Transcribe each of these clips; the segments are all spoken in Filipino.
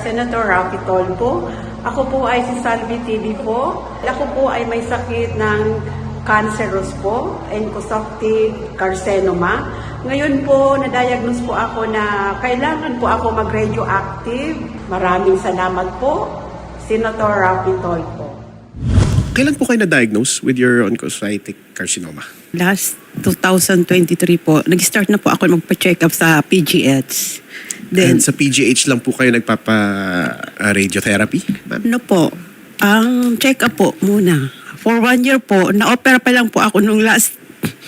Senator Raffy Tolpo. Ako po ay si Salvi TV po. Ako po ay may sakit ng cancerous po, encosuctive carcinoma. Ngayon po, na-diagnose po ako na kailangan po ako mag-radioactive. Maraming salamat po, Senator Raffy Tolpo. Kailan po kayo na-diagnose with your oncocytic carcinoma? Last 2023 po, nag-start na po ako magpa-check up sa PGH. And Then, sa PGH lang po kayo nagpapa-radiotherapy, ma'am? ano po, ang check up po muna. For 1 year po, na-opera pa lang po ako nung last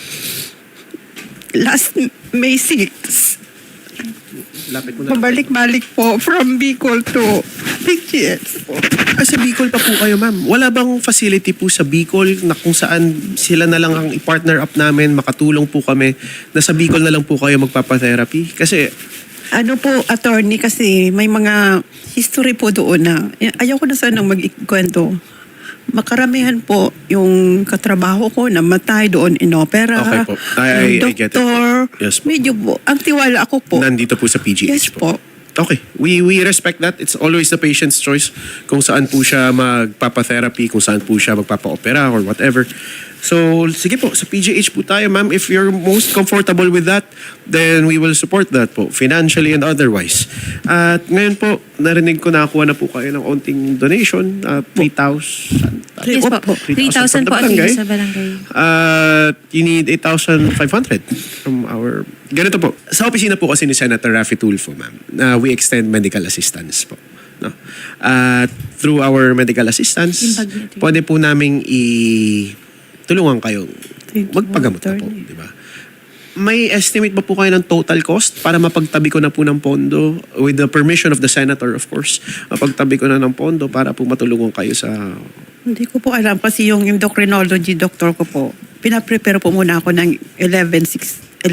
May 6. Lapit mo na. Pabalik-balik po from Bicol to PGH po. Sa Bicol pa po kayo, ma'am. Wala bang facility po sa Bicol na kung saan sila na lang ang i-partner up namin, makatulong po kami, na sa Bicol na lang po kayo magpapa-therapy? Kasi Ano po, attorney, kasi may mga history po doon na ayaw ko na sanang mag-ikwento. Makaramihan po yung katrabaho ko na matay doon in opera. Okay po. I get it po. Doktor. Yes po. Medyo po. Ang tiwala ako po. nandito po sa PGH Yes po. Okay. We respect that. It's always the patient's choice kung saan po siya magpapa-therapy, kung saan po siya magpapa-opera or whatever. So, sige po, sa PGH po tayo, ma'am. If you're most comfortable with that, then we will support that po, financially and otherwise. At ngayon po, narinig ko nakakuha na po kayo ng onting donation, 3,000. Yes po. 3,000 po ang sa barangay. You need 8,500 from our... Ganito po. Sa opisina po kasi ni Senator Raffy Tulfo, ma'am, we extend medical assistance po. No? Through our medical assistance, pwede po namin tulungan kayo. Magpagamot na po, di ba? May estimate ba po kayo ng total cost para mapagtabi ko na po ng pondo with the permission of the senator, of course. Mapagtabi ko na ng pondo para po matulungan kayo sa... Hindi ko po alam kasi yung endocrinology doctor ko po, pinaprepare po muna ako ng 11,600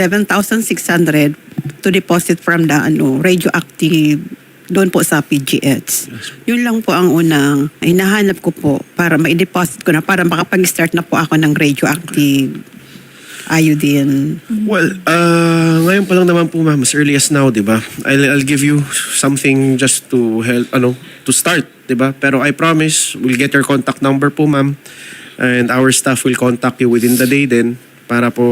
to deposit from the radioactive doon po sa PGH. Yun lang po ang unang hinahanap ko po para ma-deposit ko na para makapag-start na po ako ng radioactive iodine. Well, ngayon pa lang naman po, ma'am, as early as now, di ba? I'll give you something just to help, to start, di ba? Pero I promise, we'll get your contact number po, ma'am. And our staff will contact you within the day din para po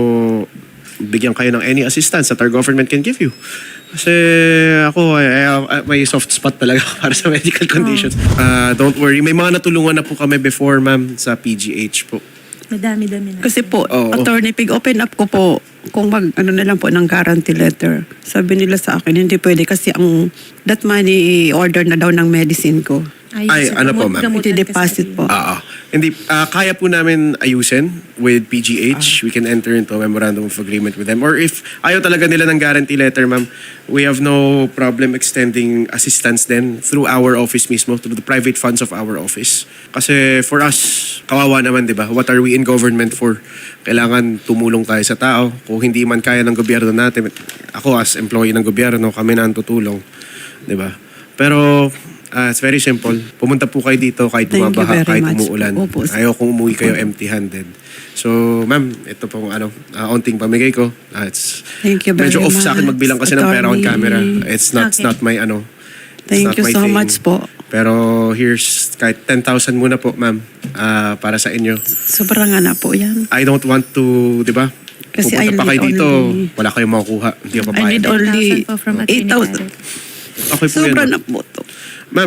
bigyan kayo ng any assistance that our government can give you. Kasi ako, may soft spot talaga para sa medical conditions. Don't worry, may mga natulungan na po kami before, ma'am, sa PGH po. Madami-dami na. Kasi po, Oo. attorney, open up ko po kung na lang po ng guarantee letter. Sabi nila sa akin, hindi pwede kasi that money order na daw ng medicine ko. Ay, ano po, ma'am? Iti-deposit po. Hindi, kaya po namin ayusin with PGH. We can enter into a memorandum of agreement with them. Or if ayaw talaga nila ng guarantee letter, ma'am, we have no problem extending assistance then through our office mismo, through the private funds of our office. Kasi for us, kawawa naman, di ba? What are we in government for? Kailangan tumulong tayo sa tao. Kung hindi man kaya ng gobyerno natin, ako as employee ng gobyerno, kami na ang tutulong. Di ba? Pero it's very simple. Pumunta po kayo dito kahit Thank you bumabaha, very kahit much umuulan. po. Opo. Ayaw kong umuwi kayo empty-handed. So, ma'am, ito pong onting pamigay ko. It's Thank you very medyo off much, sa akin magbilang kasi ng pera on attorney. camera. It's not my Thank you so much po. Pero here's kahit 10,000 muna po, ma'am, para sa inyo. Sobrang nga na po yan. I don't want to, di ba? Kasi Pupunta I pa kayo need dito, only- wala kayong makukuha. Hindi ako I papayag. need only 8,000 po from Attorney 8,000. Okay po Sobra yan. na po to. Ma'am,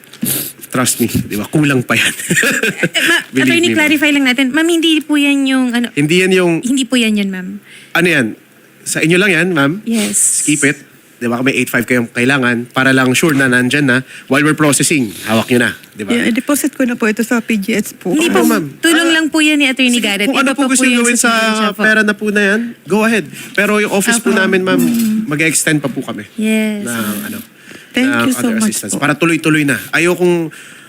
trust me, di ba? Kulang pa yan. Believe Attorney, me, ma'am. clarify lang natin. Ma'am, hindi po yan yung Hindi yan yung, hindi po yan yun, ma'am. ano yan? Sa inyo lang yan, ma'am. Yes. Keep it. Di ba? May 8,500 kayong kailangan para lang sure na nandyan na while we're processing. Hawak nyo na. Di ba? Yeah, deposit ko na po ito sa PGH po. Hindi po, Oo, ma'am. tulong lang po yan ni Attorney Garrett. Kung ano Iba po pa gusto nyo yan gawin sa probinsya po. pera na po na yan, go ahead. Pero yung office po namin, ma'am, mag-extend pa po kami. Yes. Thank ng you so other much assistance. po. Para tuloy-tuloy na. Ayokong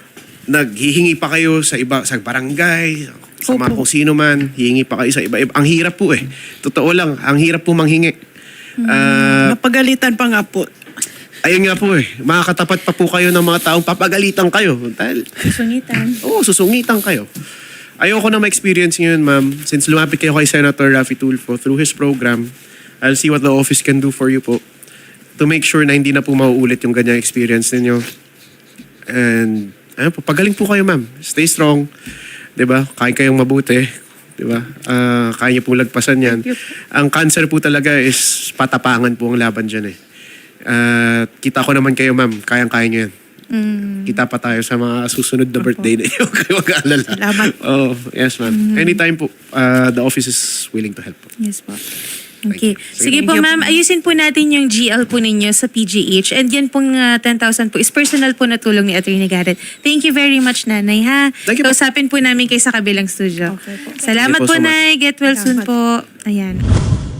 naghihingi pa kayo sa barangay, sa mga Opo. kung sino man, hihingi pa kayo sa iba-iba. Ang hirap po eh. Totoo lang, ang hirap po manghingi. Napagalitan pa nga po. Ayun nga po eh, makakatapat pa po kayo ng mga taong papagalitan kayo. Dahil, Sungitan. susungitan kayo. Ayoko na ma-experience ngayon, ma'am. Since lumapit kayo kay Senator Raffy Tulfo through his program, I'll see what the office can do for you po to make sure na hindi na po mauulit yung ganyang experience ninyo. And ayun po, pagaling po kayo ma'am. Stay strong. 'Di ba? Kaya kayong mabuti. 'Di ba? Kaya niyo po lagpasan yan. Thank you. Ang cancer po talaga is patapangan po ang laban dyan eh. Kita ko naman kayo ma'am, kayang-kaya niyo yan. Kita pa tayo sa mga susunod na birthday na iyo. Kayo mag-aalala. Salamat. Oh, yes ma'am. Anytime po, the office is willing to help po. Yes po. Okay. Sige Thank po you. ma'am, ayusin po natin yung GL po ninyo sa PGH. And yan pong 10,000 po is personal po na tulong ni Attorney Garrett. Thank you very much, Nanay, ha? Thank you po. Kausapin po namin kayo sa kabilang studio. Okay po. Salamat Thank you po, so much. Nay. Get well soon Salamat. po. Ayan.